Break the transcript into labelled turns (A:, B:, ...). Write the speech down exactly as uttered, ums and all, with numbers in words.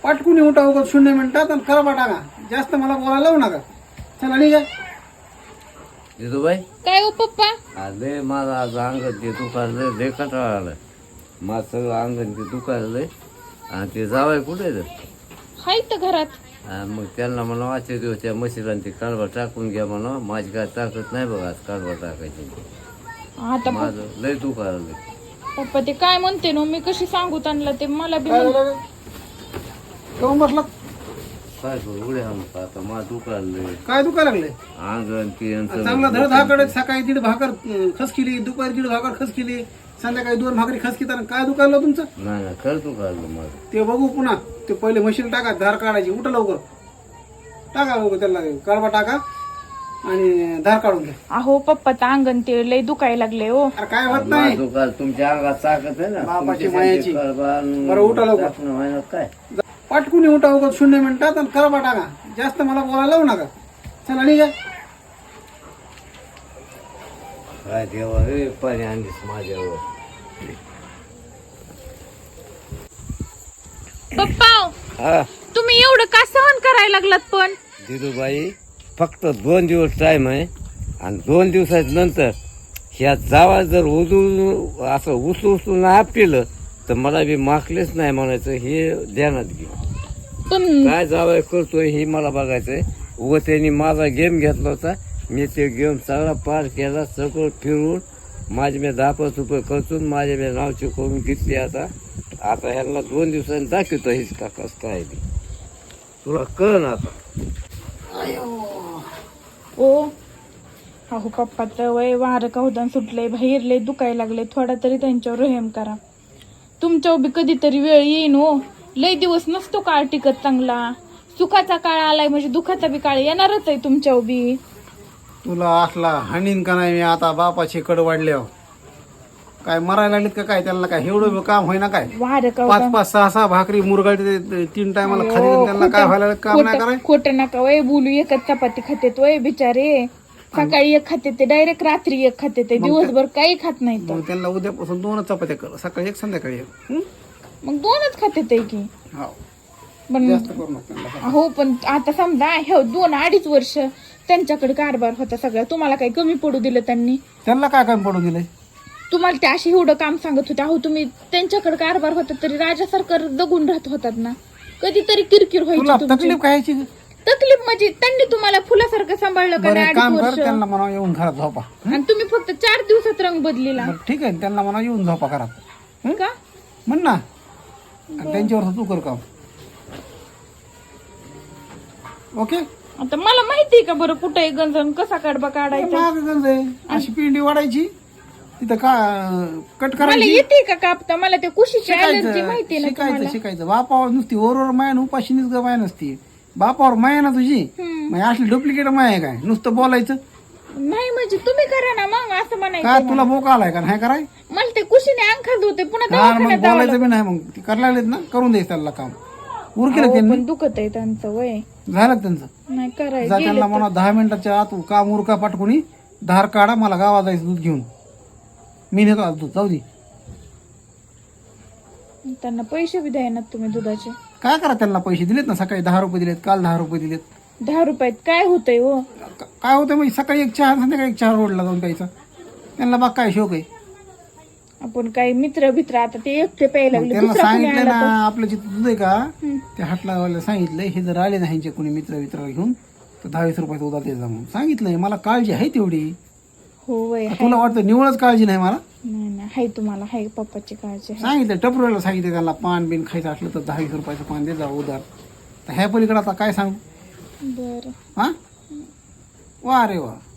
A: पाटकुनी उठा उगत शून्य मिनिटात आणि करा टाका. जास्त मला बोलायला लावू नका. चला निघा.
B: जिजूबाई
C: काय हो पप्पा?
B: आले माझं आज अंगण ते दुखायलं लय कंटाळा आलाय. माझं सगळं अंगण ते दुखायलंय आणि ते जावाय कुठे
C: हाय तर घरात.
B: मग त्यांना म्हणा वाचे दिवस त्या म्हशीला ते काढवा टाकून घ्या म्हणा. माझी काय ताकद नाही बघा आज काढवा टाकायची.
C: आता प-
B: माझं लय दुखायलंय.
C: पप्पा ते काय म्हणते ना मी कशी सांगू त्यांना ते मला बी
A: काय
C: म्हण-
A: झालं? केव्हा बसला?
B: काय करू उड्या आणू आता माझं दुखायलंय
A: काय दुखायला लागले?
B: अंगण ते यांचं
A: चांगला धडधाकड. सकाळी दीड भाकर अं, खस केली, दुपारी दीड भाकर खस केली, संध्याकाळी दोन भाकरी खस केली. काय दुखायला तुमचं?
B: नाही नाही खरं दुखायलं माझं.
A: ते बघू पुन्हा. ते पहिले मशीन टाका, धार काढायची. उठा लवकर. टाका लवकर त्याला कळवा टाका आणि धार काढून घ्या.
C: अहो पप्पाचं अंगण ते लय दुखायला लागले हो.
A: अरे काय होत नाही.
B: माझं दुखायलं तुमच्या अंगात ताकद आहे ना.
A: बापाची
B: तुमच्या
A: मायाची.
B: ते कळवा आणि
A: बरं, उठा लवकर.
B: टाकणं व्हायनं काय
A: पाटकुनी उठा उगत शून्य मिनिटात आणि कळवा टाका. जास्त मला बोलायला लावू नका. चला निघा.
B: काय देवा रे पाणी आणलीस माझ्यावर.
C: पप्पा
B: हा
C: तुम्ही एवढं का सहन करायला लागलात पण?
B: दिदूबाई फक्त दोन दिवस टाइम आहे आणि दोन दिवसाच्या नंतर ह्या जावा जर उजू असं उचलू उचलून नाही आपलं तर मला बी माकलेच नाही म्हणायचं. हे ध्यानात घे.
C: पण
B: काय जावं करतोय हे मला बघायचंय. उगं त्यांनी माझा गेम घेतला होता. मी ते गेम सगळा पार केला. सगळं फिरून माझे मी दहा पाच रुपये खर्चून माझे मी नावची करून घेतली. आता आता ह्यांना दोन दिवसांनी दाखवतो हेच का कसं काय ते तुला कळ ना आता.
C: ओ अहो पप्पाचं वय वारं कवदान सुटलंय, बाहेर लय दुखायला लागले. थोडा तरी त्यांच्यावर रहम करा. तुमच्यावर बी कधीतरी वेळ येईन हो. लय दिवस नसतो काळ टिकत चांगला. सुखाचा काळ आलाय म्हणजे दुखाचा बी काळ येणारच आहे तुमच्यावर बी.
A: तुला असला हाणीन का नाही मी आता बापाची कड वाढल्यावर? काय मरायला लागलीत का काय? त्यांना काय एवढं काम होईना काय?
C: वारं
A: पाच
C: कवदान
A: पाच सहा सहा भाकरी मुरगाळते ते तीन टायमाला खाली. त्यांना काय व्हायला लागलं? काम नाही कराय.
C: खोट नका वय बोलू. एकच चपाती खातेत वय बिचारे. सकाळी एक खाते ते डायरेक्ट रात्री एक खाते ते दिवसभर काही खात नाही तर.
A: मग त्यांना उद्यापासून दोनच चपात्या कर. सकाळी एक संध्याकाळी एक. हं?
C: मग दोनच खाते ते की.
A: हो.
C: पण
A: जास्त करू नका त्यांना.
C: हो पण आता समजा हे दोन अडीच वर्ष त्यांच्याकडे कारभार होता सगळा. तुम्हाला काही कमी पडू दिलं त्यांनी?
A: त्यांना काय काम पडून दिलंय?
C: तुम्हाला ते असे एवढं काम सांगत होते. अहो तुम्ही त्यांच्याकडे कारभार होता तरी राजा सरकार जगून राहत होतात ना. कधीतरी किरकिर
A: तुला
C: व्हायची तुमची.
A: तकलीफ काय यायची?
C: तकलीफ म्हणजे त्यांनी तुम्हाला फुलासारखं सांभाळलं का
A: बरं
C: नाही
A: एक
C: अडीच
A: काम कर.
C: वर्ष?
A: त्यांना म्हणा येऊन घरात झोपा.
C: आणि तुम्ही फक्त चार दिवसात रंग बदलीला
A: बरं ठीक आहे. त्यांना म्हणा येऊन झोपा घरात.
C: का?
A: म्हण ना. आणि त्यांच्यावर तू कर काम. ओके.
C: आता मला माहितीये का बरं कुठे गंजन कसा कडबा काढायचा?
A: माग गंज आहे. अशी पिंडी वाढायची तिथं का कट
C: मला
A: करायची.
C: येते का कापता? मला ते कुशीची अलर्जी
A: शिकायचं
C: माहितीये ना
A: शिकायचं
C: तुम्हाला.
A: शिकायचं. बापावर नुसती ओरवर माया आणि उपाशीनीच ग माया नसती. बापावर माया ना तुझी.
C: हम्म.
A: मग असली डुप्लिकेट माया आहे काय? नुसतं बोलायचं
C: नाही म्हणजे तुम्ही करा ना मग असं
A: का?
C: म्हणायचं.
A: तुला बोका आलाय का नाही कराय?
C: मला ते कुशीने अंगखात होते पुन्हा
A: हा मग
C: दवाखान्यात जावं
A: बोलायचं बी नाही. मग ती करायला लागलेत ना करून द्यायचं त्याला काम. उरकेलं
C: लागलं.
A: त्यांनी.
C: पण दुखत आहे त्यांचं वय.
A: झालं का त्यांचं?
C: नाही
A: जा
C: करायचं
A: त्यांना म्हणा दहा मिनिटाच्या आत काम उरका पाटकुनी धार काढा. मला गावात जायचं दूध घेऊन. मी नेतो आज दूध. जाऊ दे.
C: त्यांना पैसे बी द्याय ना तुम्ही दुधाचे.
A: काय करा? त्यांना पैसे दिलेत ना. सकाळी दहा रुपये दिलेत. काल दहा रुपये दिलेत.
C: दहा रुपयात काय होतंय हो?
A: क- काय होतं म्हणजे सकाळी एक चहा संध्याकाळी एक चहा रोडला जाऊन प्यायचा. त्यांना बघ काय शोक आहे.
C: आपण काही मित्र भित्र आता ते एकटे प्यायला
A: मग
C: लागले.
A: त्यांना
C: दुसरा कोणी
A: सांगितलं
C: आला
A: ना आपलं जिथं दूध आहे का
C: हं.
A: ते हाटला सांगितलंय हे जर आले ना ह्यांचे कोणी मित्र मित्र घेऊन तर दहावीस रुपयाचा उदा द्यायचा म्हणून सांगितलंय. मला काळजी आहे तेवढी.
C: हो वय.
A: तुला वाटतं निवळच काळजी नाही मला?
C: नाही नाही हाय तुम्हाला हाय पप्पाची काळजी आहे.
A: सांगितलं टपरीला सांगितलं त्यांना पान बिन खायचं असलं तर दहावीस रुपयाचं पान दे जा उधार. तर ह्या पलीकडे आता काय सांगू?
C: बरं
A: हा वा रे वा.